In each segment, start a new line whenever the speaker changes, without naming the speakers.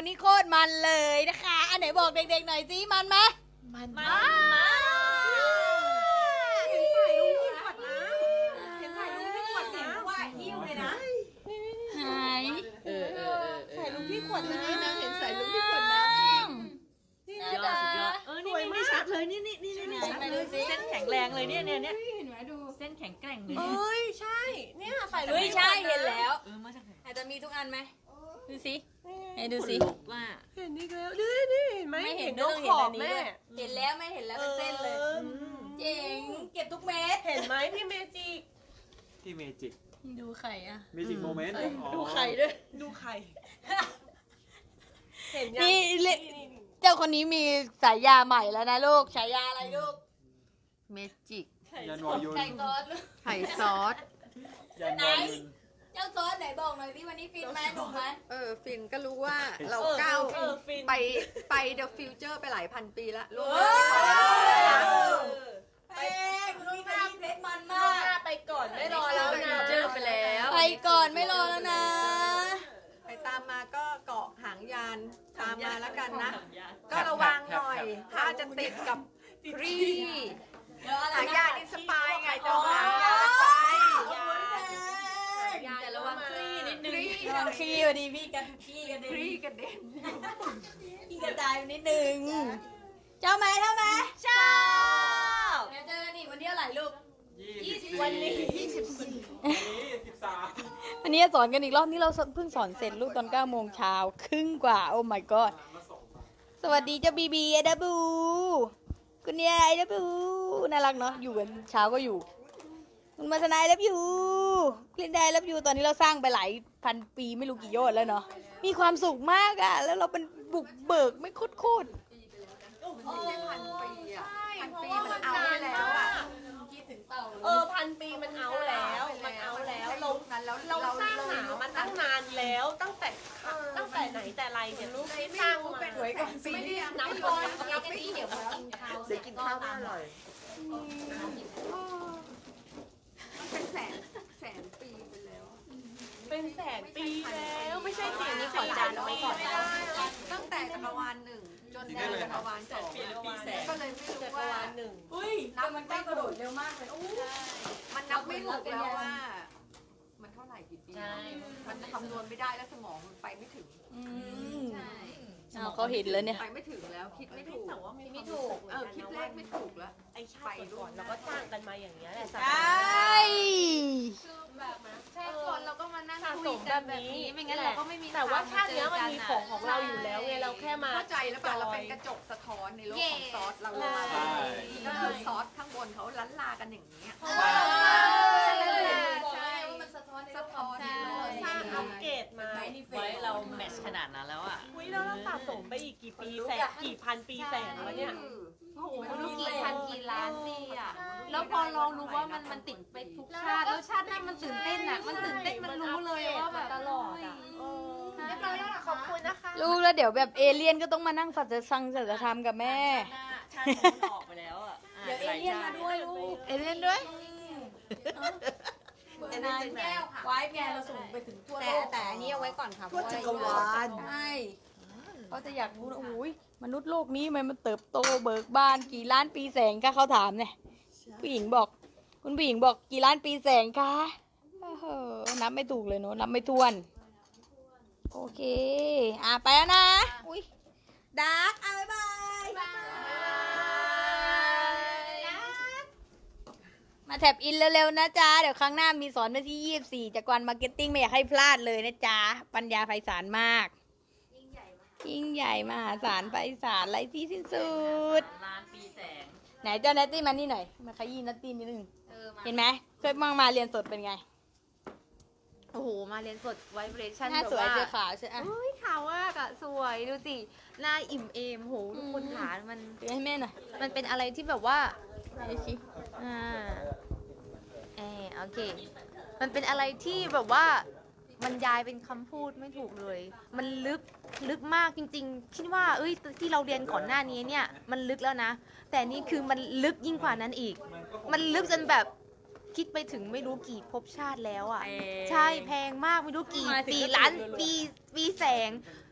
นี่โคตรมันเลยนะคะอันไหนบอกเด็กๆหน่อยสิมันไหมมันมาก
เห็นใส่ลุงที่ขวดน้ำเห็นใส่ลุงที่ขวดน้ำว่ายิ้วเลยนะ
ไหน
ใส่ลุงที่ขวดน้ำ
นางเห็นใส่ลุงที่ขวดน้ำ
นี่นะ
นี่ไม่ชัดเลยนี่ชัดเลย
เส้นแข็งแรงเลยเนี่ย
เห็นไหมดู
เส้นแข็งแกร่งเลย
เอ้ยใช่เนี่ยใส่ลุง
เฮ้ยใช่เห็นแล้ว
มาจากไหน
อาจจะมีทุกอันไหมดูสิให้ดูสิ
ว่า
เห็นอีกแล้วนี่เห็นไหม
ไม่เห็น
น
ต้
ก
อง
ข
เห็น
อ
อั
บ
นนี้
แม่
เห็นแล้วไม่เห็นแล้วเป็นเส้นเลยเจ๋งเก็บทุกเม็ด
เห็นไหมพี่เมจิก
ที่เมจิก
ดูไข่อะ
เมจิกโมเมนต์
ดูไข่ด้วยดูไข่เห็นยัง
นี่เจ้าคนนี้มีฉายาใหม่แล้วนะลูกฉายาอะไรลูก
เมจิก
ยันวอยุน
ไก่ซอส
ไข่ซอส
ยันวอยุน
เจ้าซอสไหนบอกหน่อยที่วันนี้ฟินไหมหนุ่มไหม
ฟินก็รู้ว่าเรา
ก้า
ก้าว ว
ฟิน
ไปเดอะฟิวเจอร์ไปหลายพันปีละลูก
เพลงลูกหน้าเพชรมันมาก
ไปก่อนไม่รอแล้วนะ
เจอไปแล้ว
ไปก่อนไม่รอแล้วนะ
ไปตามมาก็เกาะหางยานตามมาแล้วกันนะ ก็ระวังหน่อยถ้าจะติดกับฟรี
เดี๋ยวอะไร
หาง
นะ
ยานอินสปายไงจะหางยานไป
แต่ระวังคลี่นิดนึง
ฟรี
ระวังคลี่พอดีพี่กันขี้กัน
ฟรี
ดิ
กันเด่น
ขี้กระจายนิดนึงเจ้าไหมเท่าไหมชอบเดี๋ยวเจอกันอีกวันที่เท่าไหร่ลูก
วันนี้
13
วันนี้สอนกันอีกรอบนี่เราเพิ่งสอนเสร็จลูกตอน9 โมงเช้าครึ่งกว่าโอ้ my god สวัสดีเจ้าบีบีไอดับบูคุณยายไอดับบูน่ารักเนาะอยู่กันเช้าก็อยู่คุณมาสนายรับอยู่คลินได้รับอยู่ตอนนี้เราสร้างไปหลายพันปีไม่รู้กี่โยชน์แล้วเนาะมีความสุขมากอะแล้วเราเป็นบุกเบิกไม่โคตร
ไม่ใช่พันปีอ่ะพันปีมันเอาไปแล้วอ่ะ
พันปีมันเอาแล้วมันเอาแล้วเราสร้างหามันตั้งนานแล้วตั้งแต่ไหนแต่ไรเนี่ยลูกที่สร้างมา
สวยก่อนปีนี้นับก่อนนับไม่ถูกเดี๋ยวกินข้าวไม่อร่อยเป็นแสนปีไปแล้ว
เป็นแสนปีแล้วไม่ใช่สิ่งนี้
ขอจานเอาไว้ก่อนตั้งแต่จักรวาล1จนถึงจักรวาล2ก็เลยไม่รู้ว่า
ๆอุ้ยแต่มันใกล้กระโดดเร็วมากเลยอู้
มันนับไม่ถูกแล้วว่า มันเท่าไหร่กี่ปีมันคำนวณไม่ได้แล้วสมองมันไปไม่ถึง
เขาเห็นแล้วเนี่ย
ไปไม่ถึงแล้วคิดไม่ถูก
แต่ว่าไม่ถูก
คิดเลขไม่ถูกแล้ว
ไอชาติก่อนเราก็สร้างกันมาอย่างเงี้ยแหละ
ใช่
ชาติก่อนเราก็มานั่ง
สะ
คุ
ส
ย
ม
กั
แบ
น
บ
แบบ
นี้
นี้ไม่งั้นเราก็ไม่มี
แต่ว่าชาติเนี้ยมันมีของเราอยู่แล้วไงเราแค่มา
เข้าใจแล้วป่ะเราเป็นกระจกสะท้อนในโลกของซอสเราเลยก็คือซอสข้างบนเขาล้านลากันอย่างนี้
ใช่ว่ามันสะท้อนใน
สะท้อน
สร้างอัปเกรดมา
ไว้เราแมทช์ขนาดนั้นแล้วอ่ะ
อุ้ยแล้วเราสะสมไปอีกกี่ปีแสนกี่พันปีแสนวะเนี่ย
โอ้โหไม่รู้กี่พันกี่ล้านปีอ่ะแล้วพอเรารู้ว่ามันติดไปทุกชาติแล้วชาติหน้ามันตื่นเต้นอ่ะมันตื่นเต้นมันรู้เลยว่าแบบ
ตลอดอ่ะเรียบร้อยแล้วขอบคุณนะคะ
ลูกแล้วเดี๋ยวแบบเอเลี่ยนก็ต้องมานั่งสัจสังสัจธรรมกับแม่
ชาติมันออกไปแล้วอ่ะ
เดี๋ยวเอเลี่ยนมาด้วยลูก
เอเลี่ยนด้วย
เอเลี่ยนแก้วค่ะไว้แกเราส่งไปถึงทั่วโลก
แต่อันนี้เอาไว้ก่อนค่ะ
ทั่วจักรวาลใช่เขาจะอยากรู้นะโอ้ยมนุษย์โลกนี้มันเติบโตเบิกบานกี่ล้านปีแสงคะเขาถามเนี่ยผู้หญิงบอก คุณผู้หญิงบอกกี่ล้านปีแสงคะนับไม่ถูกเลยเนอะนับไม่ถ้วน โอเคไปแล้วนะอุ้ยดาร์กบ๊ายบายมาแท็บอินเร็วๆนะจ๊ะเดี๋ยวครั้งหน้ามีสอนวันที่24จากวันมาร์เก็ตติ้งไม่อยากให้พลาดเลยนะจ๊ะปัญญาไพศาลมากยิ่งใหญ่มหาศาลไพศาลไร้ที่สิ้นสุด
ล้านปีแสง
ไหนเจ้าเนตตี้มานี่หน่อยมาขยี้นัตตี้นิดนึงเห็นไหมเคยมาเรียนสดเป็นไง
โอ้โหมาเรียนสดไวเบรชั่น
หน้า
แบบ
สวย
ว่า
เจอขาวใช่ไหม
เฮ้ยขาวมากอะสวยดูสิหน้าอิ่มเอมโหทุกคนขามัน
ดูให้แม่หน่อย
มันเป็นอะไรที่แบบว่า
ดูสิ
โอเค มันเป็นอะไรที่แบบว่าบรรยายเป็นคำพูดไม่ถูกเลย มันลึกมากจริงๆ คิดว่าเอ้ยที่เราเรียนก่อนหน้านี้เนี่ยมันลึกแล้วนะ แต่นี่คือมันลึกยิ่งกว่านั้นอีก มันลึกจนแบบคิดไปถึงไม่รู้กี่ภพชาติแล้วอ่ะ ใช่แพงมากไม่รู้กี่ปีล้านปีแสง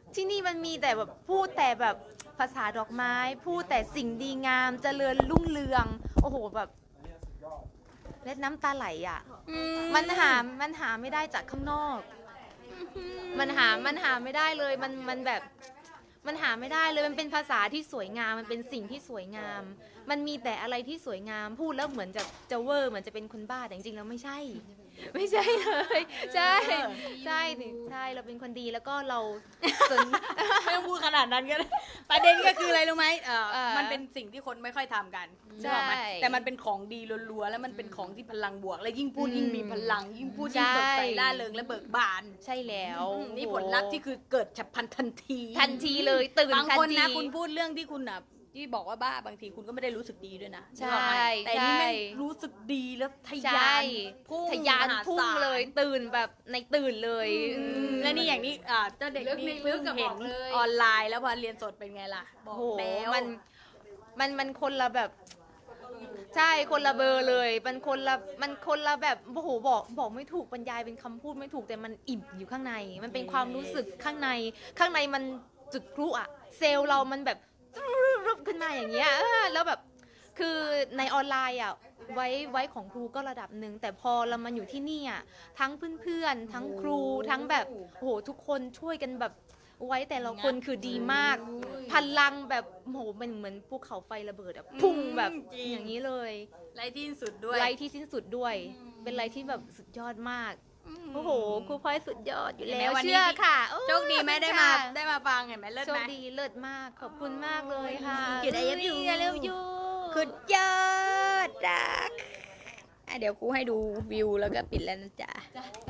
ที่นี่มันมีแต่แบบพูดแต่แบบภาษาดอกไม้ พูดแต่สิ่งดีงามเจริญรุ่งเรือง โอ้โหแบบเล็ดน้ำตาไหลอ่ะ มันหาไม่ได้จากข้างนอก มันหาไม่ได้เลย มันแบบ มันหาไม่ได้เลย มันเป็นภาษาที่สวยงาม มันเป็นสิ่งที่สวยงาม มันมีแต่อะไรที่สวยงาม พูดแล้วเหมือนจะเวอร์ เหมือนจะเป็นคนบ้า แต่จริงๆแล้วไม่ใช่ ไม่ใช่เลย ใช่ ใช่ เราเป็นคนดีแล้วก็เราสน
ไม่ต้องพูดขนาดนั้นก็ได้ประเด็นก็คืออะไรรู้ไหม
เออ
มันเป็นสิ่งที่คนไม่ค่อยทำกัน
ใช่
นึกออกไหมแต่มันเป็นของดีล้วนๆแล้วมันเป็นของที่พลังบวก และยิ่งพูดยิ่งมีพลัง ยิ่งพูดยิ่งสดใสร่าเริงและเบิกบาน
ใช่แล้ว
นี่ผลลัพธ์ที่คือเกิดฉับพลันทันที
ทันทีเลยตื่น
บาง
ทัน
คน
ที
นะคุณพูดเรื่องที่คุณอ่ะที่บอกว่าบ้าบางทีคุณก็ไม่ได้รู้สึกดีด้วยนะ
ใช่
นึกออกไหมแต่นี่แม่ง
ใช่
รู้สึกดีแล้วทะ
ใช่
ยานพุ่ง
ทะยาน
มห
พุ่ง
ศา
เลยตื่นแบบในตื่นเลย
และนี่อย่างนี้เจ้าเด็ก
ลึก
นี่
ในลึ
เพิ่
ก
ง
อะ
เห็
บ
น
อกเลย
ออนไลน์แล้วพอเรียนสดเป็นไงล่ะบอก
โอ้โห
แล้ว
มันคนละแบบ ใช่คนละเบอร์เลย มันคนละแบบโอ้โหบอกไม่ถูกบรรยายเป็นคำพูดไม่ถูกแต่มันอิ่มอยู่ข้างใน มันเป็นความรู้สึกข้างในมันจุดพลุอะเซลล์เรามันแบบรึบขึ้นมาอย่างเงี้ยแล้วแบบคือในออนไลน์อะไว้ของครูก็ระดับหนึ่งแต่พอเรามาอยู่ที่นี่อะทั้งเพื่อนๆทั้งครูทั้งแบบโอ้โหทุกคนช่วยกันแบบไว้แต่ละคนคือดีมาก พลังแบบโอ้โหมันเหมือนภูเขาไฟระเบิดอะพุ่งแบบอย่างนี้เลย
ไรที่สุดด้วย
ไลที่สิ้นสุดด้วย เป็นไลที่แบบสุดยอดมาก โอ้โห ครูพลอยสุดยอดอยู่แล้ว
วันนี้
เชื่อค่ะโอ้
โชคดีไหมได้มาฟังเห็นไหมเลิศ
โช
ไห
ค
ม
ดีเลิศมาก ขอบคุณมากเลยค่ะ
หยุด I love you
ไอเลิฟยู
คือยอดรักเดี๋ยวครูให้ดูวิวแล้วก็ปิดแล้วนะจ๊ะ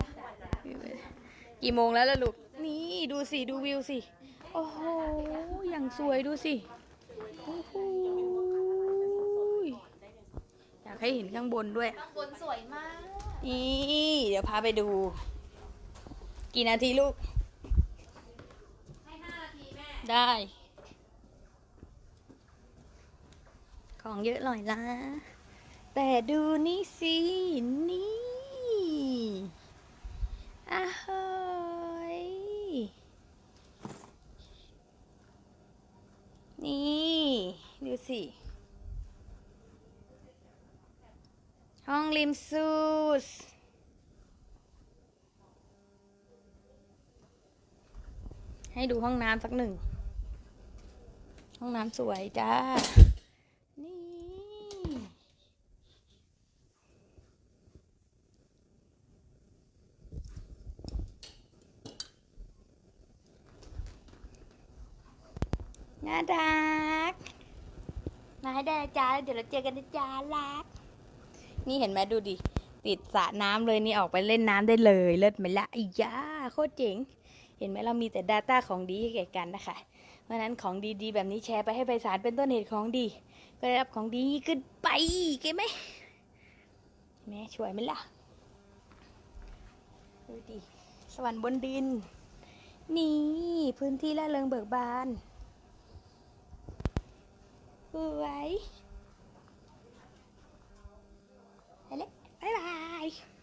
กี่โมงแล้วล่ะลูก นี่ดูสิ ดูวิวสิ โอ้โห อย่างสวยดูสิโอ้โหอยากให้เห็นข้างบนด้วย
ข้างบนสวยมาก
นี่เดี๋ยวพาไปดู กี่นาทีลูก
ให้5 นาทีแม่
ได้ ของเยอะหน่อยละแต่ดูนี่สิ นี่อ้าวเฮ้ยนี่ ดูสิ ห้องริมซูส ให้ดูห้องน้ำสักหนึ่ง ห้องน้ำสวยจ้า นี่ น่ารัก มาให้ได้นะจ้าเดี๋ยวเราเจอกันนะจ้ารัก นี่เห็นไหมดูดิ ติดสระน้ำเลยนี่ออกไปเล่นน้ำได้เลย เลิศไหมละอีย่าโคตรเจ๋ง เห็นไหมเรามีแต่ Data ของดีให้แก่กันนะคะ เพราะฉะนั้นของดีๆแบบนี้แชร์ไปให้ไพศาลเป็นต้นเหตุของดี ก็ได้รับของดีขึ้นไปเก็ไหมแม่ช่วยไหมล่ะ ดูดิ สวรรค์บนดิน นี่พื้นที่ละเริงเบิกบานสวยไปเลยบ๊ายบาย